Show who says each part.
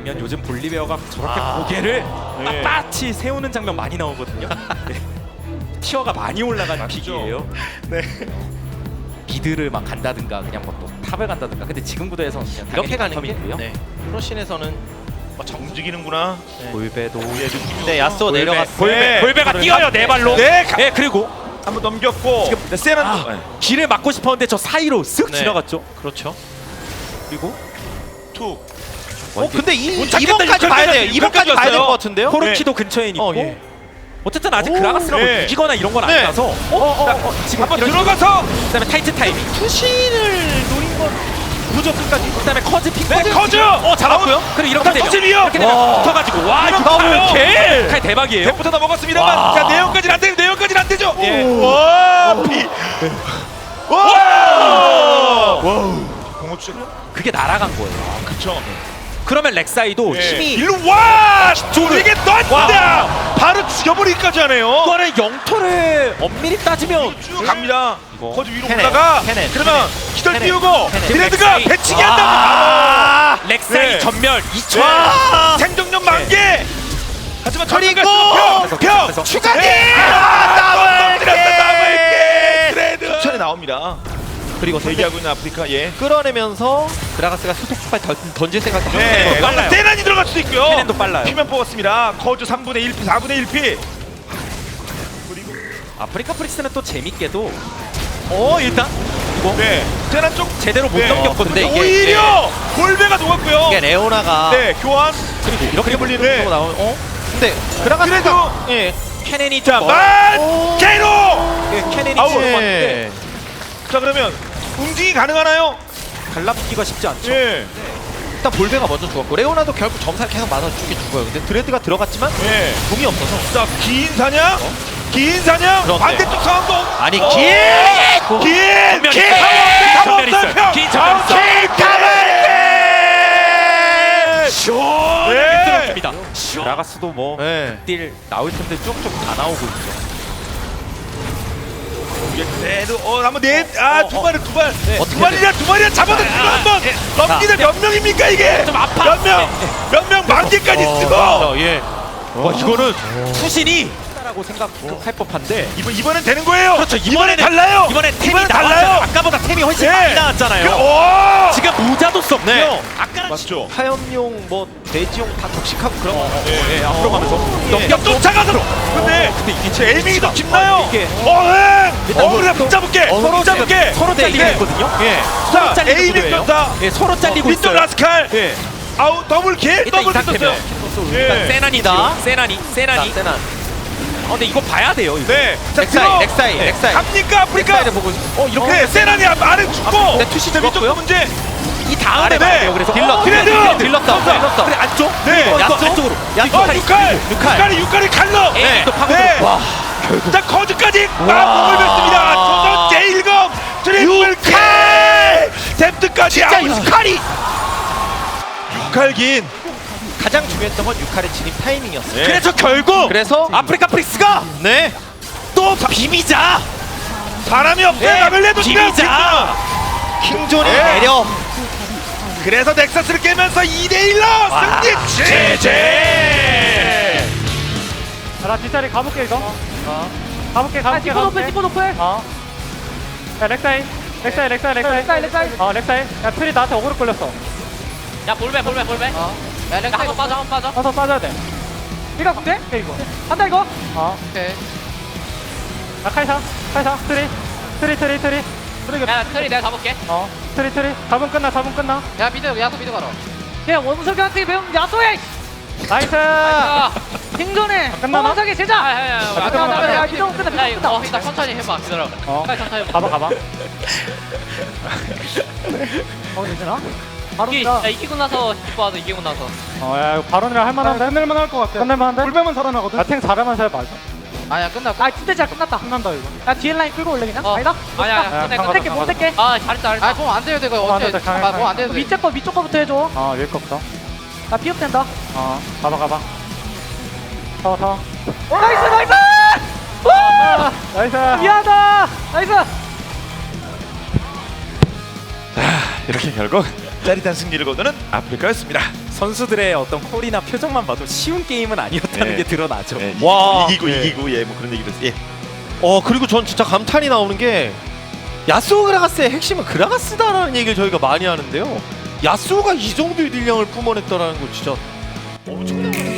Speaker 1: 아니면 요즘 볼리베어가 저렇게 고개를 빳빳이 세우는 장면 많이 나오거든요. 네. 티어가 많이 올라간 픽이에요.
Speaker 2: 네.
Speaker 1: 미드를 막 간다든가 그냥 뭐 또 탑을 간다든가. 근데 지금 구도에서는 그냥
Speaker 3: 이렇게 가는 게
Speaker 1: 있고요.
Speaker 3: 네. 프로신에서는
Speaker 2: 움직이는구나.
Speaker 1: 볼베도
Speaker 3: 네, 야스오 내려갔어.
Speaker 1: 볼베가 뛰어요 네 발로.
Speaker 2: 네.
Speaker 1: 네 그리고
Speaker 2: 한번 넘겼고. 지금 세란
Speaker 1: 길을 막고 싶었는데 저 사이로 쓱
Speaker 3: 네.
Speaker 1: 지나갔죠.
Speaker 3: 그렇죠.
Speaker 1: 그리고
Speaker 2: 툭.
Speaker 3: 근데
Speaker 2: 못 찾겠다,
Speaker 3: 2번까지 봐야 돼요.
Speaker 2: 여기까지
Speaker 3: 2번까지 봐야 될
Speaker 2: 왔어요.
Speaker 3: 것 같은데요?
Speaker 1: 코르키도 근처에 있고.
Speaker 3: 예.
Speaker 1: 어쨌든 아직 그라가스가 뭐
Speaker 2: 네.
Speaker 1: 이기거나 이런 건
Speaker 3: 네.
Speaker 1: 아니라서. 지금
Speaker 2: 한번
Speaker 1: 이런
Speaker 2: 들어가서.
Speaker 1: 그다음에 타이트 타이밍.
Speaker 3: 투신을 노린 건
Speaker 1: 구조 끝까지. 그다음에 커즈 픽.
Speaker 2: 네, 커즈.
Speaker 1: 잡았고요. 그리고 이렇게 되면
Speaker 2: 터질이요.
Speaker 1: 이렇게 되면 붙어가지고 와 이거
Speaker 3: 더블
Speaker 1: 칼 대박이에요.
Speaker 2: 대부터 넘어갔습니다만.
Speaker 1: 와.
Speaker 2: 자, 내용까지는 안 되고 내용까지는 안 되죠.
Speaker 3: 예.
Speaker 2: 와, 피. 와. 공업 주죠.
Speaker 1: 그게 날아간 거예요.
Speaker 2: 그쵸.
Speaker 1: 그러면 렉사이도
Speaker 2: 예.
Speaker 1: 힘이
Speaker 2: 일로 와! 이게 떴다! 바로 죽여버리기까지 하네요.
Speaker 1: 이거는 영토를 엄밀히 따지면
Speaker 2: 쭉 갑니다.
Speaker 1: 이거.
Speaker 2: 거기 위로
Speaker 3: 테넷,
Speaker 2: 올라가.
Speaker 3: 테넷,
Speaker 2: 그러면 기절
Speaker 3: 테넷,
Speaker 2: 띄우고
Speaker 3: 테넷.
Speaker 2: 드레드가
Speaker 1: 렉사이.
Speaker 2: 배치기 한다고 바로.
Speaker 1: 렉사이
Speaker 2: 네.
Speaker 1: 전멸 2초.
Speaker 2: 와! 생존력 만개. 하지만
Speaker 3: 그리고
Speaker 2: 평
Speaker 3: 추가기!
Speaker 2: 더블게 드레드 추천에 나옵니다.
Speaker 3: 그리고
Speaker 2: 대기하고 있는 아프리카 예.
Speaker 3: 끌어내면서 그라가스가 수속 폭발 던질 생각도 하고
Speaker 2: 네.
Speaker 3: 있는
Speaker 1: 빨라요.
Speaker 2: 세난이 들어갈 수도 있고요.
Speaker 1: 케넨도 빨라요.
Speaker 2: 피면 뽑았습니다. 거주 3분의 1피, 4분의 1피.
Speaker 1: 아프리카 프릭스는 또 재밌게도 일단 이거
Speaker 2: 네. 세난 쪽
Speaker 1: 제대로 못
Speaker 2: 네.
Speaker 1: 넘겼거든요.
Speaker 3: 근데 이게
Speaker 2: 오히려 골배가 녹았고요.
Speaker 3: 이게 레오나가
Speaker 2: 네, 교환.
Speaker 1: 그리고 이렇게
Speaker 2: 불리는
Speaker 3: 네. 나오면 근데 그라가스가
Speaker 2: 그래도
Speaker 3: 예.
Speaker 1: 케넨이
Speaker 2: 자,
Speaker 1: 좀
Speaker 2: 만 개로.
Speaker 1: 케넨이
Speaker 2: 아우,
Speaker 1: 들어왔는데
Speaker 2: 자, 그러면 움직이 가능하나요?
Speaker 1: 갈라붙기가 쉽지 않죠.
Speaker 2: 예.
Speaker 3: 일단 볼베가 먼저 죽었고 레오나도 결국 점사를 계속 맞아주게 죽어요. 근데 드레드가 들어갔지만
Speaker 2: 예.
Speaker 3: 공이 없어서
Speaker 2: 자, 긴 사냥. 긴 사냥.
Speaker 3: 그런데.
Speaker 2: 반대쪽 상황도.
Speaker 3: 아니
Speaker 2: 긴
Speaker 1: 전면
Speaker 2: 긴
Speaker 1: 있어요.
Speaker 2: 탑
Speaker 1: 전면 있어요.
Speaker 2: 없어요.
Speaker 1: 긴 전면 있어요. 시원하게
Speaker 2: 네.
Speaker 1: 들어줍니다. 그라가스도 뭐
Speaker 3: 네.
Speaker 1: 딜 나올 텐데 쭉쭉 다 나오고 있죠.
Speaker 2: 그래도 한번 두 발을 두 발.
Speaker 3: 어떻게
Speaker 2: 두 발이야 잡아도 지금 한번 넘기는 몇 명입니까 이게?
Speaker 1: 좀 아파.
Speaker 2: 몇 명 만 개까지 쓰고.
Speaker 3: 예.
Speaker 1: 이거는 투신이 라고 생각할 법한데
Speaker 2: 이번엔 되는 거예요.
Speaker 1: 그렇죠.
Speaker 2: 이번엔 달라요.
Speaker 1: 이번에 템이
Speaker 2: 이번엔
Speaker 1: 달라요.
Speaker 2: 달라요.
Speaker 1: 아까보다 템이 훨씬
Speaker 2: 네.
Speaker 1: 많이 나왔잖아요.
Speaker 2: 오!
Speaker 1: 지금 모자도 썼고요.
Speaker 3: 네.
Speaker 1: 아까는
Speaker 2: 맞죠.
Speaker 3: 화염용 뭐 돼지용 다 격식하고 그런 거.
Speaker 1: 예, 앞으로 가면서
Speaker 2: 넘겨 쫓아가서. 근데
Speaker 1: 이게
Speaker 2: 제 에이밍이 더 깊나요?
Speaker 1: 이게
Speaker 2: 그래 붙잡을게.
Speaker 1: 서로
Speaker 2: 붙잡을게.
Speaker 1: 서로 잘리고
Speaker 2: 네.
Speaker 1: 있거든요.
Speaker 3: 예.
Speaker 2: 자,
Speaker 1: 잘리는
Speaker 2: 에이밍
Speaker 1: 구도예요.
Speaker 2: 떴다.
Speaker 1: 예, 서로 잘리고
Speaker 2: 밑도
Speaker 1: 있어요.
Speaker 2: 라스칼.
Speaker 1: 예.
Speaker 2: 아우 더블킬.
Speaker 1: 일단
Speaker 2: 더블킬
Speaker 1: 이상
Speaker 2: 떴어요.
Speaker 1: 일단
Speaker 2: 예.
Speaker 1: 세난이다. 세난이.
Speaker 3: 세난.
Speaker 1: 근데 이거 봐야 돼요. 이거.
Speaker 2: 네. 자,
Speaker 3: 렉사이.
Speaker 2: 갑니까 아프리카?
Speaker 3: 렉사이를 보고
Speaker 2: 이렇게 네, 세란이 아래 죽고.
Speaker 3: 네, 투시
Speaker 2: 위쪽
Speaker 3: 죽었고요.
Speaker 2: 문제.
Speaker 1: 이 다음에
Speaker 2: 네.
Speaker 1: 봐야 돼요. 그래서
Speaker 2: 드레드!
Speaker 3: 들렀다.
Speaker 1: 그래 안쪽.
Speaker 2: 네.
Speaker 1: 안쪽으로.
Speaker 2: 육칼이 칼로.
Speaker 1: 네. 또 파고
Speaker 2: 네.
Speaker 1: 들어. 와.
Speaker 2: 자 커즈까지 몸을 뱉습니다. 조선 제1검 트리플 칼. 뎁트까지
Speaker 3: 진짜 육칼이
Speaker 2: 육칼긴.
Speaker 3: 가장 중요했던 건 육칼의 진입 타이밍이었어요.
Speaker 2: 네.
Speaker 1: 그래서 결국
Speaker 3: 그래서
Speaker 1: 아프리카 프릭스가
Speaker 3: 네.
Speaker 1: 또 비비자.
Speaker 2: 사람이 없어요.
Speaker 1: 네.
Speaker 2: 남을 내도
Speaker 1: 비비자.
Speaker 3: 킹존이
Speaker 2: 네.
Speaker 3: 내려.
Speaker 2: 그래서 넥서스를 깨면서 2대1로 승리. 제제.
Speaker 4: 나 뒷자리 가볼게 이거. 가볼게. 디포 높을 디포 높을. 야 렉사이. 렉사이. 야 트리 나한테 어그로 끌렸어.
Speaker 5: 야 볼배. 야 렉사 한번 빠져.
Speaker 4: 가서 빠져야 돼. 이거 근데? 이거. 한다 이거.
Speaker 5: 오케이.
Speaker 4: 야 카이사. 트리.
Speaker 5: 야 트리 내가 잡을게.
Speaker 4: 트리. 잡으면 끝나.
Speaker 5: 야 야수 미드 가라.
Speaker 4: 야 원석이한테 배운 야소해. 나이스.
Speaker 5: 아,
Speaker 4: 킹존에. 끝나나?
Speaker 5: 원석이 제자. 야
Speaker 4: 이동 끝나.
Speaker 5: 일단 천천히 해봐. 기다려. 빨리 천천히 해봐.
Speaker 4: 가봐. 되나? 바로
Speaker 5: 야 이기고 나서 기뻐하자. 이기고 나서.
Speaker 4: 야 이거 바론이라 할만한데? 끝낼만 할 것 같아. 끝낼만한데? 불배만 살아나거든? 야탱 잘하면서 해봐 이거.
Speaker 5: 아야 끝났고.
Speaker 4: 진짜 잘 끝났다. 끝난다 이거. 야 뒤에 라인 끌고 올래 그냥? 아니다?
Speaker 5: 아니야 끝내.
Speaker 4: 못 뗄게.
Speaker 5: 아 잘했다. 아좀안 돼요 이거 어째. 뭐안 돼도 돼.
Speaker 4: 위쪽 거부터 해줘. 위에 거부터. 나 비업 된다. 가봐. 타워. 나이스! 나이스! 미안하다! 나이스!
Speaker 2: 이렇게 결국 짜릿한 승리를 거두는 아프리카였습니다.
Speaker 1: 선수들의 어떤 콜이나 표정만 봐도 쉬운 게임은 아니었다는
Speaker 2: 네.
Speaker 1: 게 드러나죠.
Speaker 2: 예,
Speaker 3: 와.
Speaker 2: 이기고
Speaker 3: 예.
Speaker 2: 이기고 예, 뭐 그런 얘기를 했어요. 예.
Speaker 3: 그리고 전 진짜 감탄이 나오는 게 야스오 그라가스의 핵심은 그라가스다라는 얘기를 저희가 많이 하는데요. 야스오가 이 정도의 딜량을 뿜어냈다라는 거 진짜 엄청난